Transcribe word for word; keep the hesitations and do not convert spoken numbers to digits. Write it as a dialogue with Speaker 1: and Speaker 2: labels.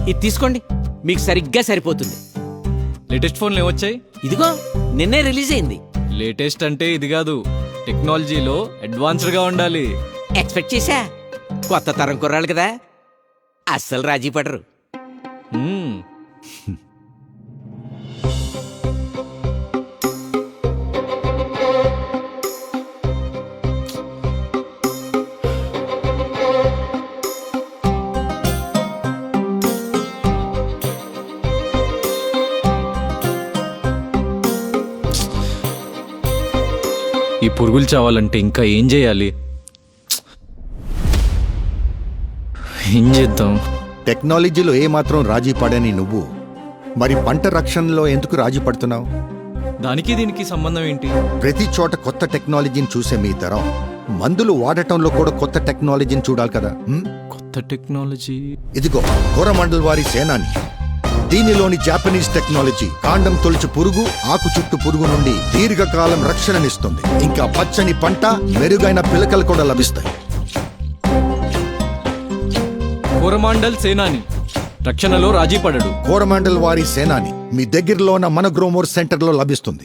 Speaker 1: ఇది తీసుకోండి, మీకు సరిగ్గా సరిపోతుంది.
Speaker 2: లేటెస్ట్ ఫోన్లు ఏమొచ్చాయి?
Speaker 1: ఇదిగో నిన్నే రిలీజ్ అయింది.
Speaker 2: లేటెస్ట్ అంటే ఇది కాదు, టెక్నాలజీలో అడ్వాన్స్డ్ గా ఉండాలి.
Speaker 1: ఎక్స్పెక్ట్ చేశా, కొత్త తరం కుర్రాళ్ళు కదా, అస్సలు రాజీ పడరు.
Speaker 2: మ్మ్. ఈ పురుగులు చావాలంటే ఇంకా ఏం చేయాలి? ఏం చేద్దాం?
Speaker 3: టెక్నాలజీలో ఏమాత్రం రాజీ పడని నువ్వు మరి పంట రక్షణలో ఎందుకు రాజీ పడుతున్నావు?
Speaker 2: దానికి దీనికి సంబంధం ఏంటి?
Speaker 3: ప్రతి చోట కొత్త టెక్నాలజీని చూసే మీ తరం మందులు వాడటంలో కూడా కొత్త టెక్నాలజీని చూడాలి కదా. హ్మ్?
Speaker 2: కొత్త టెక్నాలజీ.
Speaker 3: ఇదిగో కోరమండల్ వారి సేనాని. దీనిలోని జాపనీస్ టెక్నాలజీ కాండం తొలిచి పురుగు, ఆకు చుట్టు పురుగు నుండి దీర్ఘకాలం రక్షణనిస్తుంది. ఇంకా పచ్చని పంట, మెరుగైన పిలకలు కూడా లభిస్తాయి.
Speaker 2: కోరమాండల్ సేనాని రక్షణలో రాజీ పడడు.
Speaker 3: కోరమండల్ వారి సేనాని మీ దగ్గరలో ఉన్న మన గ్రోమోర్ సెంటర్లో లభిస్తుంది.